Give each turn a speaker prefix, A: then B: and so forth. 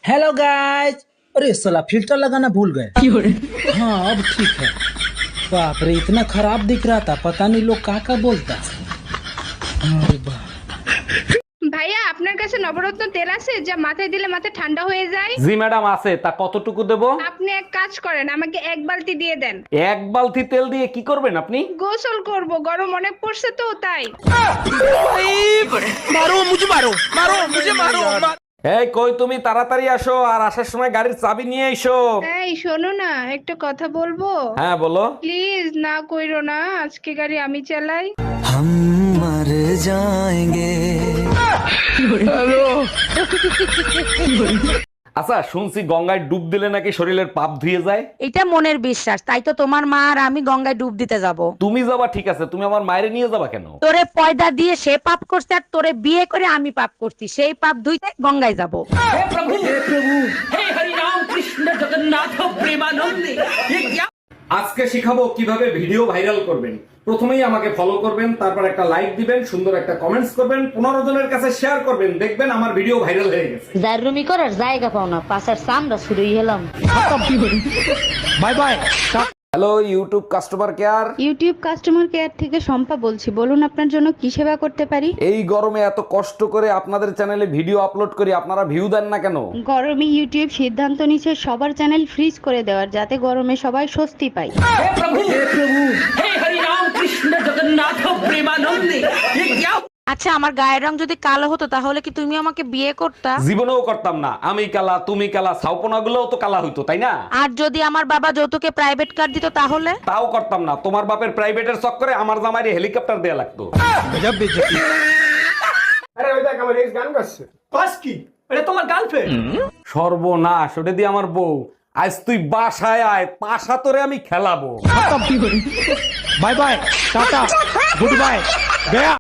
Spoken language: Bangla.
A: Hello guys. अरे साला फिल्टर लगाना भूल गए। हाँ अब ठीक है। बाप रे इतना खराब दिख रहा था, पता नहीं लोग का बोलता। अरे बाप।
B: ভাইয়া আপনার কাছে নবরত্ন তেল আছে যা মাথায় দিলে মাথা ঠান্ডা হয়ে যায়?
C: জি ম্যাডাম আছে, তা কতটুকু দেব?
B: আপনি এক কাজ করেন, আমাকে এক বালতি দিয়ে দেন।
C: এক বালতি তেল দিয়ে কি করবেন আপনি?
B: গোসল করব, গরম অনেক পড়ছে তো তাই।
C: এই কই তুমি, তাড়াতাড়ি আসো, আর আসার সময় গাড়ির চাবি নিয়ে এসো।
B: এই শোনো না, একটা কথা বলবো?
C: হ্যাঁ বলো।
B: প্লিজ না কইরো না, আজকে গাড়ি আমি চালাই।
D: हम मर जाएंगे।
C: আচ্ছা শুনছি গঙ্গায় ডুব দিলে নাকি শরীরের পাপ ধুয়ে যায়।
E: এটা মনের বিশ্বাস, তাই তো তোমার মা আর আমি গঙ্গায় ডুব দিতে যাব।
C: তুমি যাবা ঠিক আছে, তুমি আমার মায়ের নিয়ে যাবা কেন?
E: তোরে পয়দা দিয়ে সে পাপ করছে আর তোরে বিয়ে করে আমি পাপ করছি, সেই পাপ ধুইতে গঙ্গায় যাব।
C: আজকে শিখাবো কিভাবে ভিডিও ভাইরাল করবেন। প্রথমেই আমাকে ফলো করবেন, তারপর একটা লাইক দিবেন, সুন্দর একটা কমেন্টস করবেন, 15 জনের কাছে শেয়ার করবেন, দেখবেন আমার ভিডিও ভাইরাল হয়ে গেছে।
F: জাররুমি করার জায়গা পাও না, পাশার সামরা শুরুই হলাম।
A: Bye bye.
C: Hello YouTube customer care.
G: YouTube customer care থেকে শম্পা বলছি, বলুন আপনার জন্য কি সেবা করতে পারি?
C: এই গরমে এত কষ্ট করে আপনাদের চ্যানেলে ভিডিও আপলোড করি, আপনারা ভিউ দেন না কেন?
G: গরমে ইউটিউব সিদ্ধান্ত নিচ্ছে সবার চ্যানেল ফ্রিজ করে দেওয়ার, যাতে গরমে সবাই স্বস্তি পায়।
E: আচ্ছা আমার গায়ের রং যদি কালো হতো তাহলে কি তুমি আমাকে বিয়ে করতা?
C: জীবনেও করতাম না। আমি কালা, তুমি কালা, ছাউপনা গুলোও তো কালা হইতো, তাই না?
E: আর যদি আমার বাবা যৌতুকে প্রাইভেট কার দিত তাহলে?
C: তাও করতাম না। তোমার বাপের প্রাইভেটের চক্করে আমার জামাইরে হেলিকপ্টার দেয়া লাগতো। সর্বনাশ, ওটা দিয়ে আমার বউ। আজ তুই বাসায় আয়, পাশা তোরে আমি খেলাবো।
A: Bye bye, tata, good bye, गया।